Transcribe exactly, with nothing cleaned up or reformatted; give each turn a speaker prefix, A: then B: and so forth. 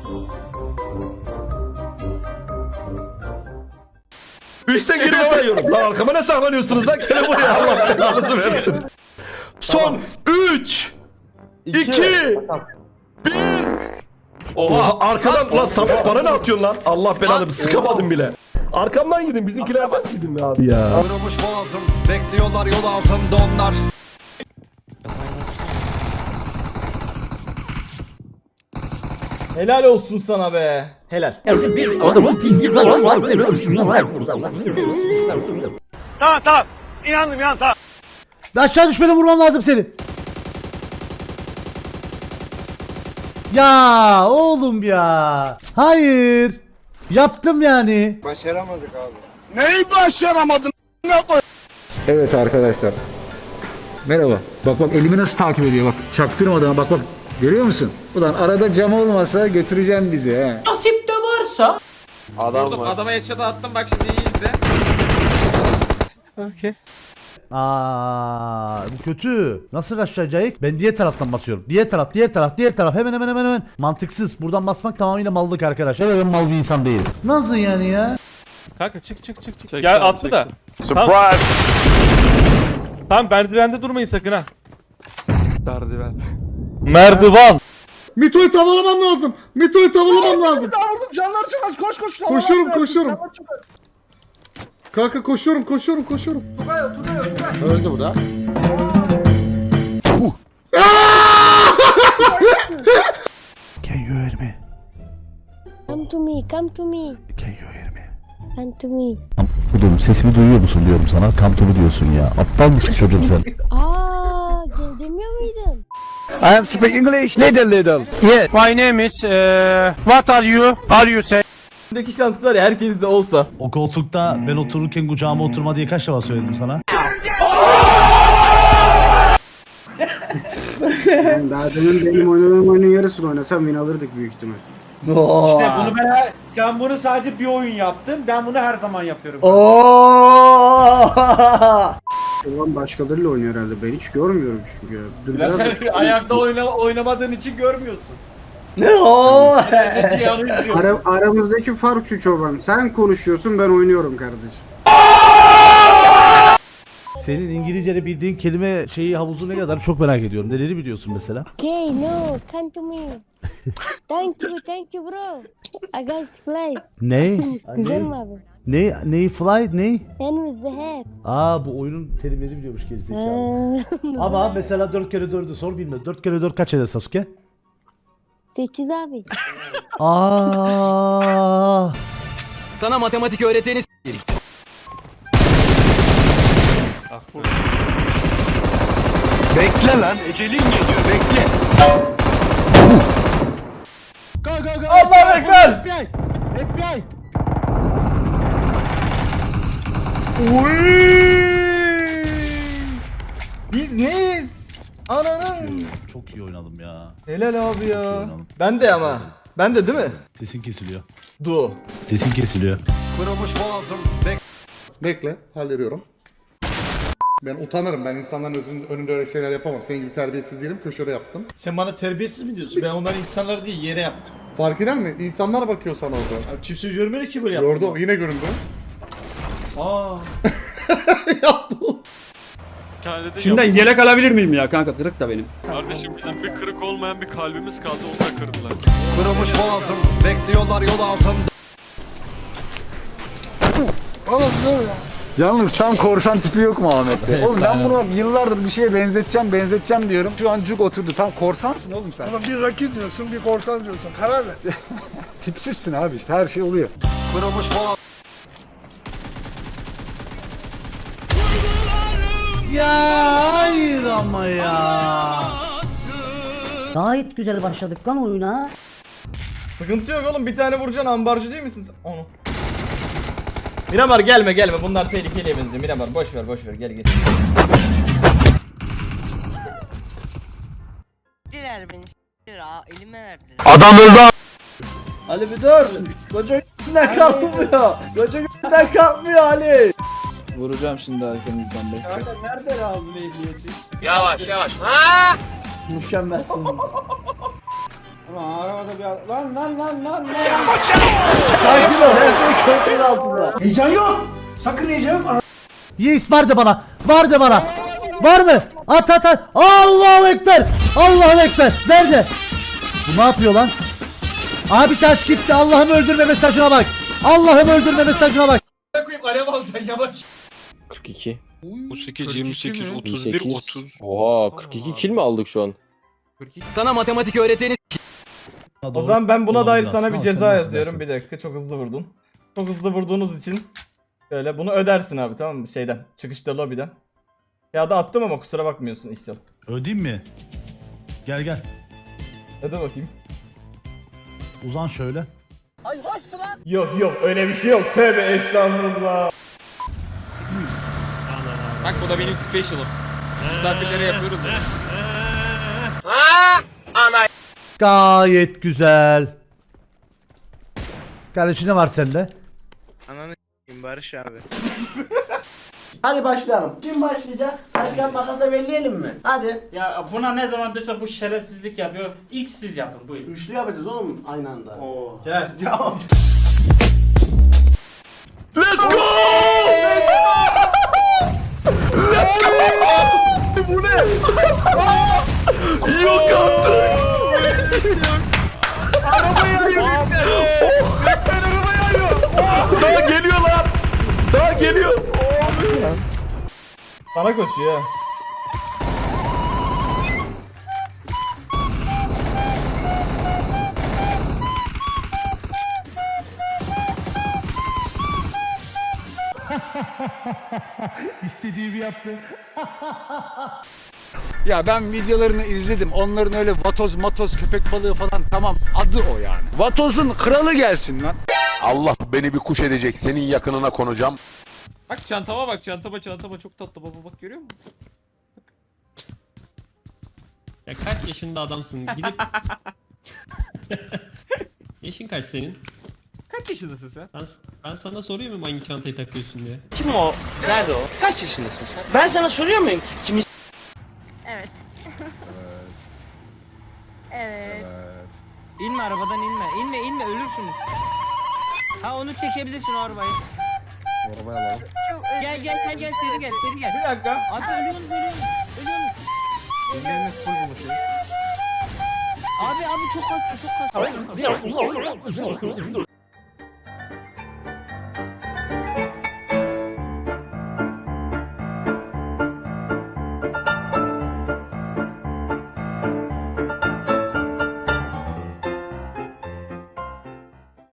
A: Üçten geriye sayıyorum. Lan arkama ne saklanıyorsunuz lan? Gene buraya, Allah belanızı versin. Son üç iki bir. Oha arkadan lan Samet bana ne atıyorsun lan? Allah belanı, sıkamadım bile. Arkamdan gidin, bizimkilerden gidin be abi ya.
B: Kırılmış boğazım, bekliyorlar yol ağzımda onlar.
C: Helal olsun sana be. Helal.
D: Tamam tamam. İnandım ya, tamam.
E: Aşağı düşmeden vurmam lazım seni. Ya oğlum ya. Hayır. Yaptım yani.
B: Başaramadık abi.
D: Neyi başaramadın? Ne koy?
F: Evet arkadaşlar. Merhaba. Bak bak elimi nasıl takip ediyor bak. Çaktırmadan bak bak. Görüyor musun? Ulan arada cam olmasa götüreceğim bizi he.
B: Adam var.
G: Adama headshot attım, bak şimdi iyi izle. Okey.
E: Aa, bu kötü. Nasıl aşağıcayık? Ben diğer taraftan basıyorum. Diğer taraf, diğer taraf, diğer taraf. Hemen hemen hemen hemen. Mantıksız. Buradan basmak tamamıyla mallık arkadaşlar. Evet, ben mal bir insan değilim. Nasıl yani ya?
H: Kanka çık çık çık çık. Gel attı da.
D: Surprise.
H: Tamam merdivende durmayın sakın ha.
D: Merdiven.
H: Merdivan.
I: Mito'yu tavalamam lazım. Mito'yu tavalamam lazım.
C: Vurdum, canlar çok az, koş koş.
I: Koşuyorum koşuyorum. Kanka koşuyorum koşuyorum koşuyorum.
B: Öldü bu da.
E: Can you hear me?
J: Come to me, come to me,
E: Can you hear me?
J: come to me.
E: Oğlum sesimi duyuyor musun diyorum sana. Come to me diyorsun ya. Aptal mısın çocuğum sen?
J: Aa, gel demiyor muydun?
D: I am speak English. Little little. Yes. My name is uh, what are you? Are you say?
C: Buradaki şans var ya, herkes de olsa.
E: O koltukta ben otururken kucağıma oturma diye kaç defa söyledim sana?
I: Daha demin benim oynadığım oyunun yarısını oynasam win alırdık büyük ihtimal.
C: İşte
H: bunu ben sen bunu sadece bir oyun yaptın. Ben bunu her zaman yapıyorum.
I: Ulan başkalarıyla oynuyor herhalde. Ben hiç görmüyorum çünkü ya. Dur biraz da-
H: Ayakta oyna, oynamadığın için görmüyorsun.
C: Ne o?
I: Ara, aramızdaki fark şu çoban. Sen konuşuyorsun, ben oynuyorum kardeşim.
E: Senin İngilizce'de bildiğin kelime şeyi havuzu ne kadar çok merak ediyorum. Neleri biliyorsun mesela?
J: Okay, no, come to me. Thank you, thank you bro. I got this place.
E: Ne?
J: Güzel mi abi?
E: Ne? Ne? Fly? Ne?
J: And with the head.
E: Aa, bu oyunun terimleri biliyormuş gerizekalı.
J: Aa,
E: Ama mesela dört kere dördü sor bilmez. dört kere dört kaç eder Sasuke?
J: sekiz abi.
E: Aa.
G: Sana matematik öğreteni
D: Bekle lan. Ecelin geliyor. Bekle.
C: Allah ekber.
I: F B I! F B I!
C: Biz neyiz? Ananın.
E: Çok iyi oynadım ya.
C: Helal abi ya. Ben de ama. Ben de değil mi?
E: Sesin kesiliyor.
C: Du.
E: Sesin kesiliyor.
B: Kırılmış boğazım, bek
I: Bekle, hallediyorum. Ben utanırım. Ben insanların özün, önünde öyle şeyler yapamam. Senin gibi terbiyesiz değilim. Köşede yaptım.
H: Sen bana terbiyesiz mi diyorsun? Ben onların insanlar değil yere yaptım.
I: Fark eder mi? İnsanlar bakıyor sana orada.
H: Abi kimse görmedi ki böyle yaptım.
I: Gördü, yine göründü.
H: Aa.
I: Ya bu.
D: Şimdiden
H: yelek alabilir miyim ya kanka? Kırık da benim.
D: Kardeşim bizim bir kırık olmayan bir kalbimiz kaldı, onu da kırdılar.
B: kırılmış boğazım, bekliyorlar yol ağzımda.
F: Yalnız tam korsan tipi yok mu Ahmet'te? Oğlum ben bunu bak yıllardır bir şeye benzeteceğim benzeteceğim diyorum. Şu an cuk oturdu. Tam korsansın oğlum sen.
I: Bir rakip diyorsun, bir korsan diyorsun. Karar ver.
F: Tipsizsin abi işte her şey oluyor.
B: Kırılmış boğazım.
E: Ya hayır ama ya.
K: Gayet güzel başladık lan oyuna.
C: Sıkıntı yok oğlum, bir tane vuracaksın, ambarcı değil misin sen? Onu. Miramar gelme gelme, bunlar tehlikeli benziyor. Miramar boş ver boş ver, gel gel.
J: Ver beni. Elime verdiler.
C: Adam öldü. Ali bir dur. Koca günden kalkmıyor. Koca günden kalkmıyor Ali. Vuracağım şimdi arkanızdan, bekle.
H: Kanka nereden aldın ehliyeti?
G: Yavaş yavaş. Ha!
C: Mükemmelsiniz.
H: Ulan arabada bir lan lan lan lan lan.
C: Sakin ol, her şey kontrol altında.
H: Heyecan yok. Sakın heyecan yok.
E: Yes var de bana. Var de bana. Var mı? At at at. Allahu Ekber. Allahu Ekber. Nerede? Bu ne yapıyor lan? Abi ters gitti. Allah'ım öldürme mesajına bak. Allah'ım öldürme mesajına bak.
G: Koyayım alev alacaksın yavaş.
D: kırk iki.
G: otuz sekiz, yirmi sekiz, otuz bir, otuz.
D: Oha kırk iki kill mi aldık şu an?
G: Sana matematik öğreteni
E: O
H: zaman ben buna dair sana bir ceza yazıyorum. Bir dakika, çok hızlı vurdun. Çok hızlı vurduğunuz için şöyle bunu ödersin abi, tamam mı? Şeyden, çıkışta lobiden. Ya da attım ama kusura bakmıyorsun İhsan.
E: Ödeyim mi? Gel gel.
H: Öde bakayım.
E: Uzan şöyle.
H: Yok yok, öyle bir şey yok. Tövbe estağfurullah.
G: Bak bu da benim special'ım. Misafirlere yapıyoruz bunu.
E: Gayet güzel. Kardeşim ne var sende?
D: Ananı Barış abi.
K: Hadi başlayalım. Kim başlayacak? Taş kağıt makasa belirleyelim mi? Hadi.
H: Ya buna ne zaman duysa bu şerefsizlik yapıyor. İlk siz yapın, buyurun.
K: Üçlü yapacağız oğlum aynı anda.
H: Oo. Gel.
A: Let's go! Let's go! Bu ne? Yok artık. Daha geliyor lan. Daha geliyor.
H: Bana koşuyor.
E: İstediğimi yaptı.
F: Ya ben videolarını izledim. Onların öyle vatoz matoz köpek balığı falan, tamam, adı o yani. Vatozun kralı gelsin lan.
B: Allah beni bir kuş edecek. Senin yakınına konacağım.
G: Bak çantama bak, çantama çantama çok tatlı baba, bak görüyor musun?
D: Ya kaç yaşında adamsın gidip... Yaşın kaç senin?
G: Kaç yaşındasın sen?
D: Ben, ben sana soruyor muyum hangi çantayı takıyorsun diye?
K: Kim o? Nerede o? Kaç yaşındasın sen? Ben sana soruyor muyum? Kim
J: Evet. Evet.
K: İnme arabadan inme. İnme inme ölürsünüz. Ha onu çekebilirsin o arabayı.
I: Arabayı alalım.
J: Çok özür
K: Gel gel gel gel seri gel seri gel.
H: Bir dakika.
K: Abi ölüyorsunuz ölüyorsunuz. Ölüyorsunuz. Abi abi çok kaçıyor çok kaçıyor.